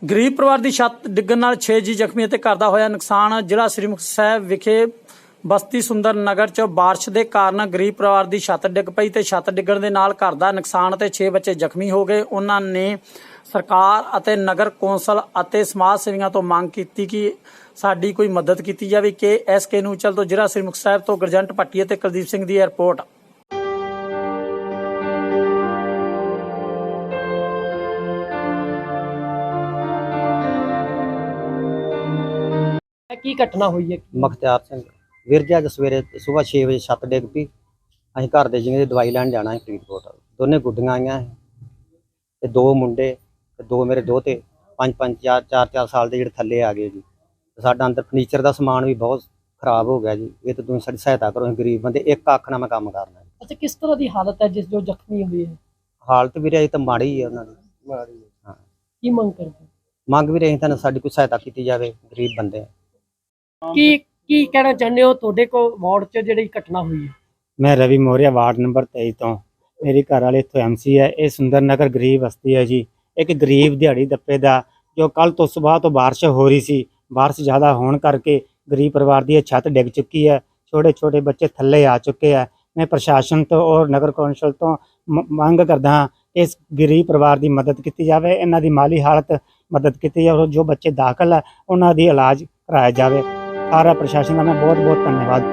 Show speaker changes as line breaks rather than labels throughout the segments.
ਗਰੀਬ ਪਰਿਵਾਰ ਦੀ ਛੱਤ ਡਿੱਗਣ ਨਾਲ 6 ਜੀ ਜ਼ਖਮੀ ਅਤੇ ਘਰ ਦਾ ਹੋਇਆ ਨੁਕਸਾਨ। ਜ਼ਿਲ੍ਹਾ ਸ੍ਰੀ ਮੁਕਤਸਰ ਸਾਹਿਬ ਵਿਖੇ ਬਸਤੀ ਸੁੰਦਰ ਨਗਰ 'ਚ ਬਾਰਿਸ਼ ਦੇ ਕਾਰਨ ਗਰੀਬ ਪਰਿਵਾਰ ਦੀ ਛੱਤ ਡਿੱਗ ਪਈ ਤੇ ਛੱਤ ਡਿੱਗਣ ਦੇ ਨਾਲ ਘਰ ਦਾ ਨੁਕਸਾਨ ਤੇ 6 ਬੱਚੇ ਜ਼ਖਮੀ ਹੋ ਗਏ। ਉਹਨਾਂ ਨੇ ਸਰਕਾਰ ਅਤੇ ਨਗਰ ਕੌਂਸਲ ਅਤੇ ਸਮਾਜ ਸੇਵੀਆਂ ਤੋਂ ਮੰਗ ਕੀਤੀ ਕਿ ਸਾਡੀ ਕੋਈ ਮਦਦ ਕੀਤੀ ਜਾਵੇ। ਕਿ ਐਸਕੇ ਨਿਊਜ਼ ਚੈਨਲ ਤੋਂ ਜ਼ਿਲ੍ਹਾ ਸ੍ਰੀ ਮੁਕਤਸਰ ਸਾਹਿਬ ਤੋਂ ਗੁਰਜੰਟ ਭੱਟੀ ਅਤੇ ਕੁਲਦੀਪ ਸਿੰਘ ਦੀ ਰਿਪੋਰਟ।
ਕੀ ਘਟਨਾ ਹੋਈ ਹੈ?
ਮੁਖਤਿਆਰ ਸਿੰਘ ਵੀਰ ਜੀ, ਅੱਜ ਸਵੇਰੇ ਸਵੇਰ 6 ਵਜੇ ਛੱਤ ਡਿੱਗ ਪਈ। ਅਸੀਂ ਘਰ ਦੇ ਜਿਵੇਂ ਦਵਾਈ ਲੈਣ ਜਾਣਾ ਹੈ ਫਰੀਦਕੋਟ। ਦੋਨੇ ਗੁੱਡੀਆਂ ਆਈਆਂ ਤੇ ਦੋ ਮੁੰਡੇ ਤੇ ਦੋ ਮੇਰੇ ਦੋਤੇ, 5-5 4-4 ਸਾਲ ਦੇ ਜਿਹੜੇ ਥੱਲੇ ਆ ਗਏ ਜੀ। ਸਾਡਾ ਅੰਦਰ ਫਰਨੀਚਰ ਦਾ ਸਮਾਨ ਵੀ ਬਹੁਤ ਖਰਾਬ ਹੋ ਗਿਆ ਜੀ। ਇਹ ਤਾਂ ਤੁਸੀਂ ਸਾਡੀ ਸਹਾਇਤਾ ਕਰੋ, ਅਸੀਂ ਗਰੀਬ ਬੰਦੇ, ਇੱਕ ਅੱਖ ਨਾਲ ਮੈਂ ਕੰਮ ਕਰਨਾ।
ਅੱਛਾ, ਕਿਸ ਤਰ੍ਹਾਂ ਦੀ ਹਾਲਤ ਹੈ ਜਿਸ ਜੋ ਜ਼ਖਮੀ ਹੋਈ ਹੈ?
ਹਾਲਤ ਵੀਰੇ ਅਜੇ ਤਾਂ ਮਾੜੀ ਹੀ ਹੈ ਉਹਨਾਂ ਦੀ। ਹਾਂ,
ਕੀ ਮੰਗ ਕਰਦੇ?
ਮੰਗ ਵੀ ਰਹੀ ਤੁਹਾਨੂੰ ਸਾਡੀ ਕੋਈ ਸਹਾਇਤਾ ਕੀਤੀ ਜਾਵੇ, ਗਰੀਬ ਬੰਦੇ ਆ।
ਕੀ ਕਹਿਣਾ ਚਾਹੁੰਦੇ ਹੋ? ਤੁਹਾਡੇ ਕੋਲ ਵਾਰਡ 'ਚ ਜਿਹੜੀ ਘਟਨਾ ਹੋਈ ਹੈ।
मैं रवि मौर्य वार्ड नंबर 23 तो मेरी घर वाले इतों MC है। ये सुंदर नगर गरीब बस्ती है जी। एक गरीब दिहाड़ी दप्पे का जो कल तो सुबह तो बारिश हो रही सी, बारिश ज़्यादा होने करके गरीब परिवार की छत डिग चुकी है। छोटे छोटे बच्चे थल्ले आ चुके हैं। मैं प्रशासन तो और नगर कौंसल तो मंग करदा हाँ इस गरीब परिवार की मदद की जाए, इन्हां दी माली हालत मदद की जाए और जो बच्चे दाखिल है उन्हां दी इलाज कराया जाए। सारा प्रशासन का मैं बहुत बहुत धन्यवाद।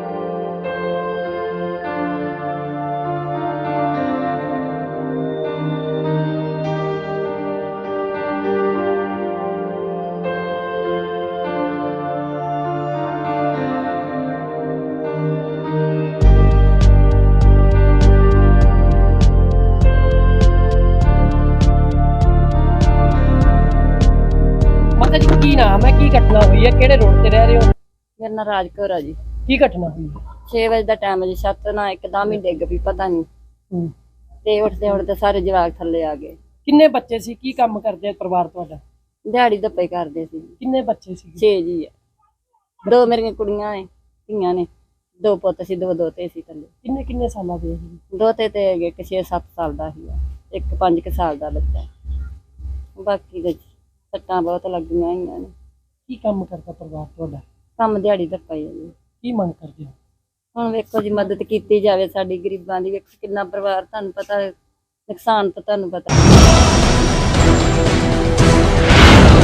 ਮਾਤਾ ਜੀ, ਕੀ ਨਾਮ ਹੈ? ਕੀ ਘਟਨਾ ਹੋਈ ਹੈ? ਕਿਹੜੇ ਰੋਡ ਤੇ ਰਹਿ ਰਹੇ ਹੋ?
ਮੇਰਾ ਨਾਂ ਰਾਜ ਕੌਰ ਆ ਜੀ।
ਕੀ ਘਟਨਾ ਹੋਈ ਹੈ?
6 ਵਜੇ ਦਾ ਟਾਈਮ ਹੈ ਜੀ। ਛੱਤ ਨਾ ਇੱਕਦਮ ਹੀ ਡਿੱਗ ਪਈ, ਪਤਾ ਨਹੀਂ। ਤੇ ਉੱਠਦੇ ਉੱਠਦੇ ਸਾਰੇ ਜਵਾਕ ਥੱਲੇ ਆ ਗਏ।
ਕਿੰਨੇ ਬੱਚੇ ਸੀ? ਕੀ ਕੰਮ ਕਰਦੇ ਆ ਪਰਿਵਾਰ ਤੁਹਾਡਾ?
ਦਿਹਾੜੀ ਦੱਪੇ ਕਰਦੇ ਸੀ।
ਕਿੰਨੇ ਬੱਚੇ ਸੀ?
6 ਜੀ ਆ। 2 ਮੇਰੀਆਂ ਕੁੜੀਆਂ ਨੇ, ਧੀਆਂ ਨੇ, 2 ਪੁੱਤ ਸੀ, 2 ਦੋਤੇ ਸੀ ਥੱਲੇ।
ਕਿੰਨੇ ਕਿੰਨੇ ਸਾਲਾਂ ਦੇ ਸੀ?
ਦੋਤੇ ਤੇ ਹੈਗੇ, ਇੱਕ 6-7 ਸਾਲ ਦਾ ਸੀ, ਇੱਕ 5 ਸਾਲ ਦਾ ਬੱਚਾ। ਬਾਕੀ ਦੇ ਸੱਟਾਂ ਬਹੁਤ ਲੱਗੀਆਂ ਹੋਈਆਂ ਨੇ।
ਕੀ ਕੰਮ ਕਰਦਾ ਪਰਿਵਾਰ ਤੁਹਾਡਾ?
ਕੰਮ ਦਿਹਾੜੀ ਦੱਪਾ ਹੀ ਆ ਜੀ।
ਕੀ ਮੰਗ ਕਰਦੇ ਹੋ?
ਹੁਣ ਵੇਖੋ ਜੀ, ਮਦਦ ਕੀਤੀ ਜਾਵੇ ਸਾਡੀ ਗਰੀਬਾਂ ਦੀ। ਵੇਖੋ ਕਿੰਨਾ ਪਰਿਵਾਰ, ਤੁਹਾਨੂੰ ਪਤਾ ਨੁਕਸਾਨ ਤਾਂ ਤੁਹਾਨੂੰ ਪਤਾ।